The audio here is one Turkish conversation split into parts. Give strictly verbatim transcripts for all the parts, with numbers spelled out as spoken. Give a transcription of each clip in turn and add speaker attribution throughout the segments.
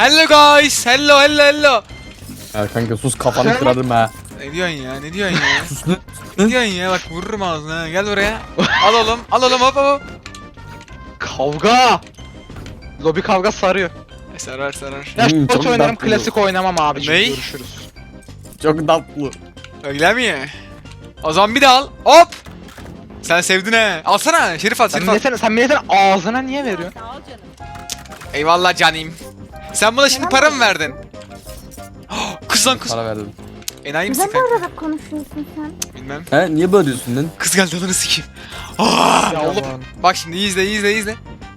Speaker 1: Hello guys. Hello hello hello.
Speaker 2: Ya kanka sus kafanı kırarım ha.
Speaker 1: Ne diyorsun ya? Ne diyorsun ya?
Speaker 2: Sus lan.
Speaker 1: Ne diyorsun ya? Bak vururum ağzına. Gel buraya. Al oğlum. Al oğlum hop hop.
Speaker 3: Kavga. Lobi kavga sarıyor.
Speaker 1: E, sarar sarar.
Speaker 3: Ya
Speaker 2: Hmm,
Speaker 3: short
Speaker 2: çok
Speaker 3: oynarım,
Speaker 2: tatlı.
Speaker 3: klasik oynamam abiciğim.
Speaker 1: Ney?
Speaker 3: Görüşürüz.
Speaker 2: Çok tatlı.
Speaker 1: Öyle mi? O zaman bir de al. Hop. Sen sevdin he. Alsana. Şerif at.
Speaker 3: Sen
Speaker 1: Şerif at.
Speaker 3: milletin, sen milletin ağzına niye veriyorsun?
Speaker 4: Sağ ol canım.
Speaker 1: Eyvallah canim. Sen buna şimdi para mı verdin? Kız lan kız.
Speaker 2: Para verdim.
Speaker 1: Enayi misin
Speaker 5: Neden
Speaker 1: kanka?
Speaker 5: böyle konuşuyorsun sen?
Speaker 1: Bilmem.
Speaker 2: He niye böyle diyorsun lan?
Speaker 1: Kız geldi ananı sikeyim. Aa!
Speaker 3: Ya oğlum.
Speaker 1: Bak şimdi iyi izle iyi izle iyi izle.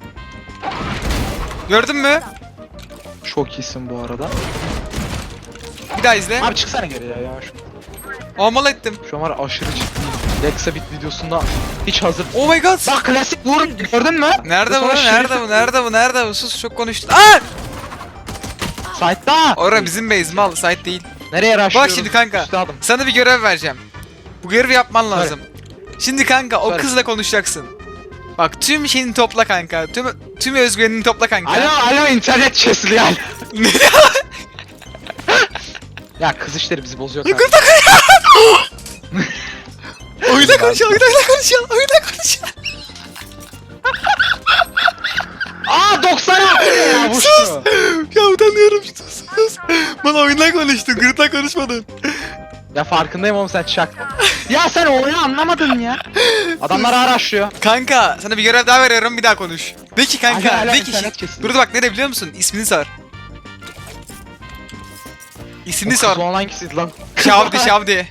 Speaker 1: Gördün mü?
Speaker 3: Çok iyisin bu arada.
Speaker 1: Bir daha izle.
Speaker 3: Abi çıksana geri ya yavaş.
Speaker 1: Amal ettim.
Speaker 3: Şu an var ya aşırı ciddiyim. Lexa bit videosunda hiç hazır.
Speaker 1: Oh my god.
Speaker 3: Bak klasik vur gördün mü?
Speaker 1: Nerede bu?
Speaker 3: Sonra
Speaker 1: Nerede
Speaker 3: Şerif-
Speaker 1: bu? Nerede bu? Nerede bu? Sus çok konuştun. Aa!
Speaker 3: Site'da.
Speaker 1: Ora bizim base mal. Site değil.
Speaker 3: Nereye
Speaker 1: Bak
Speaker 3: rushlıyoruz?
Speaker 1: şimdi kanka.
Speaker 3: Üstadım.
Speaker 1: Sana bir görev vereceğim. Bu görevi yapman lazım. Şimdi kanka o
Speaker 3: Söyle.
Speaker 1: kızla konuşacaksın. Bak tüm şeyini topla kanka. Tüm tüm özgüvenini topla kanka.
Speaker 3: Alo alo internet kesiliyor. Ya kız işleri bizi bozuyor kanka.
Speaker 1: Oyuna konuşalım, oyuna konuşalım, oyuna konuşalım.
Speaker 3: Aa doksan altı ya bu
Speaker 1: Sus!
Speaker 3: şu.
Speaker 1: Ya utanıyorum sus sus. Bana oyundan konuştun, gırtla konuşmadın.
Speaker 3: Ya farkındayım oğlum sen çaktın. Ya sen oyunu anlamadın ya. Adamlar araştırıyor.
Speaker 1: Kanka sana bir görev daha veriyorum bir daha konuş. De ki kanka,
Speaker 3: Hala- hala
Speaker 1: de ki.
Speaker 3: internet kesildi.
Speaker 1: Dur dur bak ne biliyor musun? İsmini sor. İsmini
Speaker 3: Kız
Speaker 1: sor.
Speaker 3: olan hangisiydi lan?
Speaker 1: Şavdi Şavdi.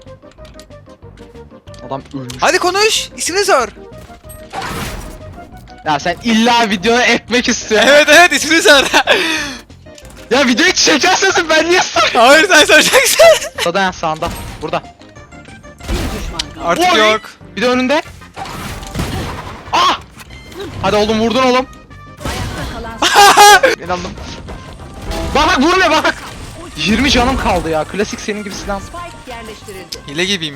Speaker 3: Adam ölmüş.
Speaker 1: Hadi konuş. İsmini sor.
Speaker 3: Ya sen illa videoya ekmek istiyorsun.
Speaker 1: Evet evet ismini sor.
Speaker 3: Ya videoyu çekersin ben niye soruyorum?
Speaker 1: Hayır sen soracaksın.
Speaker 3: Sağda ya sağında. Burada.
Speaker 4: Bir düşman kaldı.
Speaker 1: Artık
Speaker 3: Oy!
Speaker 1: yok.
Speaker 3: Bir de önünde. Ah! Hadi oğlum vurdun oğlum.
Speaker 4: Ayakta kalan
Speaker 3: İnandım. Bak bak vurmuyor bak bak. yirmi canım kaldı ya. Klasik senin gibi silah.
Speaker 4: spike yerleştirildi.
Speaker 1: Hile gibiyim ya.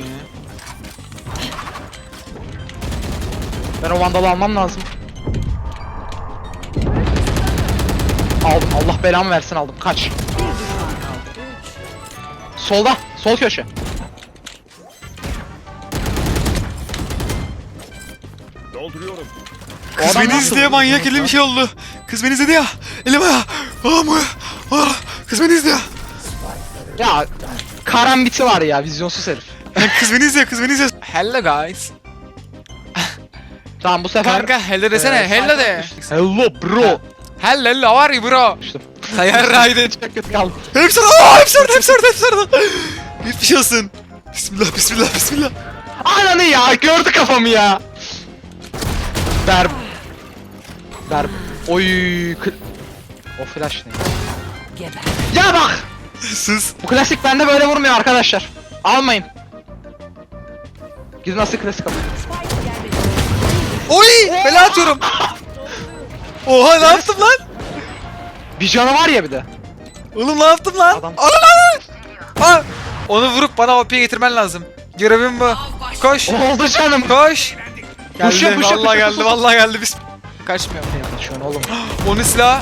Speaker 3: Ben o vandalı almam lazım. Aldım. Allah belamı versin aldım. Kaç.
Speaker 4: Bir düşman kaldı. Üç.
Speaker 3: Solda. Sol köşe.
Speaker 6: Dolduruyorum.
Speaker 3: O
Speaker 1: Kız
Speaker 3: adam
Speaker 1: beni
Speaker 3: nasıl
Speaker 1: izleye
Speaker 3: vurdu
Speaker 1: manyak
Speaker 3: bunu
Speaker 1: elim
Speaker 3: ya?
Speaker 1: bir şey oldu. Kız beni izledi ya. Elim ayağı. Ah mı? Ah. Kız beni izliyor.
Speaker 3: Ya karambiti var ya vizyonsuz herif.
Speaker 1: Kız beni izliyor, kız beni izliyor. Hello guys.
Speaker 3: Tamam bu sefer...
Speaker 1: Kanka hello desene,
Speaker 3: Ee,
Speaker 1: hello de.
Speaker 3: Hello bro.
Speaker 1: Hello hello, how are you bro?
Speaker 3: İşte.
Speaker 1: Sayar Raiden.
Speaker 3: Çok kötü kaldım.
Speaker 1: Hepsi orada, aa, hepsi orada, hepsi orada, hepsi orada. Hiçbir şey olsun. Bismillah, bismillah, bismillah.
Speaker 3: Ananı ya gördü kafamı ya. Ver. Ver. Oy. kl- O flash ne?
Speaker 4: Geber.
Speaker 3: Ya bak.
Speaker 1: Sus.
Speaker 3: Bu klasik bende böyle vurmuyor arkadaşlar. Almayın. Gidin nasıl klasik alın.
Speaker 4: Spike yerleştirildi.
Speaker 1: Oy, bela atıyorum. Oha ne yaptım lan?
Speaker 3: Bir canı var ya bir de.
Speaker 1: Oğlum ne yaptım lan?
Speaker 3: Adam-
Speaker 1: Ana lan. Aa, onu vurup bana O P'ye getirmen lazım. Görevim bu. Koş.
Speaker 3: Oldu canım.
Speaker 1: Koş. Geldi,
Speaker 3: Push yap, push yap,
Speaker 1: vallahi
Speaker 3: push yap,
Speaker 1: geldi,
Speaker 3: push yap.
Speaker 1: vallahi geldi. Biz kaçmıyor.
Speaker 3: Şu an oğlum.
Speaker 1: Onun silahı.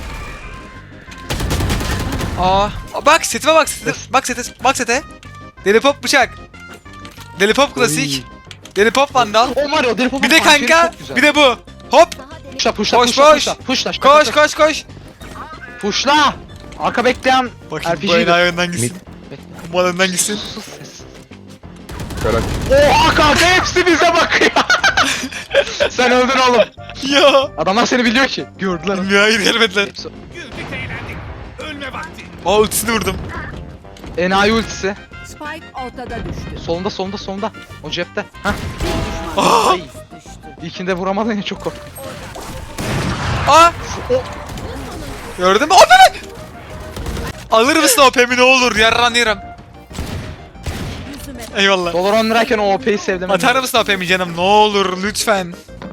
Speaker 1: Aa, bak setime bak sete, bak sete, bak sete. Deli pop bıçak. Deli pop klasik. Deli pop vandal.
Speaker 3: O var ya deli
Speaker 1: Bir de kanka, bir de bu. Hop,
Speaker 3: Pushla pushla
Speaker 1: Koş,
Speaker 3: pushla
Speaker 1: koş.
Speaker 3: pushla pushla
Speaker 1: koş koş koş.
Speaker 3: Pushla. Arka bekleyen
Speaker 1: Bakayım
Speaker 3: R P
Speaker 1: bu
Speaker 3: G'dir.
Speaker 1: enayi önden gitsin. Bu önden gitsin.
Speaker 3: Sus ses.
Speaker 2: Şöyle.
Speaker 3: Oha kanka hepsi bize bakıyor. Sen öldün oğlum.
Speaker 1: Ya.
Speaker 3: Adamlar seni biliyor ki. Gördüler.
Speaker 1: Ya hayır gelmediler.
Speaker 3: Hepsi.
Speaker 6: Güldük eğlendik. Ölme vakti.
Speaker 1: Aa ultisini vurdum.
Speaker 3: Enayi ultisi.
Speaker 4: Spike ortada düştü.
Speaker 3: Solunda solunda solunda. O cepte. Hah.
Speaker 4: Bir düşman
Speaker 1: Aa.
Speaker 3: Ay.
Speaker 4: düştü.
Speaker 3: İlkinde vuramadın ya çok korktum.
Speaker 1: Aa.
Speaker 3: O-
Speaker 1: Gördün mü? O ne? Alır mısın O P'mi ne olur? Yarranıyorum.
Speaker 4: Yüzüme
Speaker 1: Eyvallah.
Speaker 3: Dolar on lirayken o O P'yi sevdim.
Speaker 1: Atar mısın O P'mi canım? Ne olur lütfen.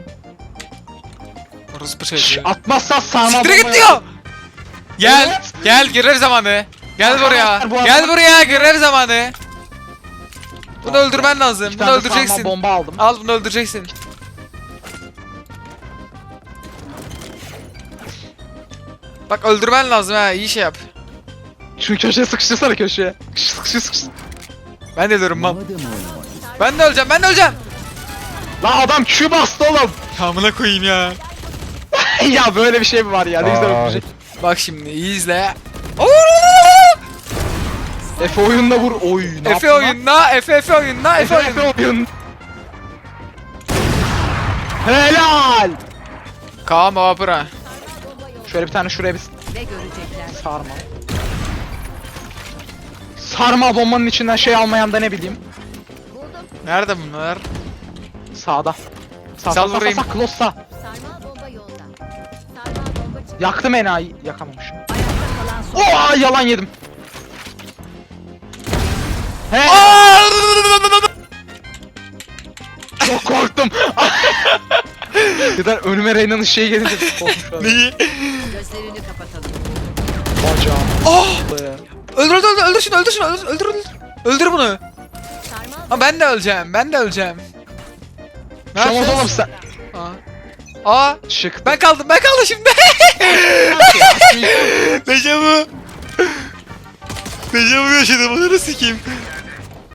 Speaker 1: Orospu
Speaker 3: Şşş,
Speaker 1: çocuğu.
Speaker 3: atmazsan sağma
Speaker 1: Siktir git diyor. Gel, gel görev zamanı. Gel buraya.
Speaker 3: Arkadaşlar, bu
Speaker 1: Gel
Speaker 3: adam-
Speaker 1: buraya görev zamanı. Bunu öldürmen lazım.
Speaker 3: Bir
Speaker 1: Bunu
Speaker 3: tane sarma
Speaker 1: öldüreceksin.
Speaker 3: bomba aldım.
Speaker 1: Al bunu öldüreceksin. Bak öldürmen lazım ha, iyi şey yap.
Speaker 3: Şu köşeye sıkıştırsana köşeye. Sıkıştır sıkıştır.
Speaker 1: Ben de ölürüm mal. Ben de öleceğim, ben de öleceğim.
Speaker 3: Lan adam Q bastı oğlum.
Speaker 1: Amına koyayım ya.
Speaker 3: Ya böyle bir şey mi var ya? Ne güzel
Speaker 2: Aa,
Speaker 3: öpecek.
Speaker 1: Bak şimdi iyi izle.
Speaker 3: Efe oyunda vur. Oy ne
Speaker 1: Efe
Speaker 3: yaptın lan?
Speaker 1: oyunla, Efe Efe oyunla, Efe
Speaker 3: Efe
Speaker 1: oyunla.
Speaker 3: Efe oyun. Helal.
Speaker 1: Kaan Vapura.
Speaker 3: Şöyle bir tane şuraya bir
Speaker 4: Ne görecekler?
Speaker 3: sarma. Sarma bombanın içinden şey almayan da ne bileyim.
Speaker 1: Nerede bunlar?
Speaker 3: Sağda. Sağ
Speaker 1: Sal
Speaker 3: sağ sağ
Speaker 1: vurayım.
Speaker 3: sağ close sağ.
Speaker 4: Sarmal bomba yolda. Sarmal bomba çıktı.
Speaker 3: Yaktım enayi. Yakamamışım.
Speaker 4: Ayakta kalan son.
Speaker 3: Oha yalan yedim. He. Çok korktum. Birden önüme Reyna'nın şeyi gelince korkmuş.
Speaker 1: Neyi?
Speaker 4: Gözlerini kapatalım.
Speaker 3: Bacağım.
Speaker 1: Oh! Öldür öldür öldür, öldür şunu, öldür şunu, öldür öldür öldür. Öldür bunu.
Speaker 4: Sarmal
Speaker 1: Ha ben de öleceğim, ben de öleceğim. Ne
Speaker 3: Şamaz
Speaker 1: yapacağız?
Speaker 3: oğlum sen.
Speaker 1: Aa. Aa.
Speaker 3: Çık.
Speaker 1: Ben kaldım, ben kaldım şimdi. Dejavu. Dejavu yaşadım, onu sikeyim.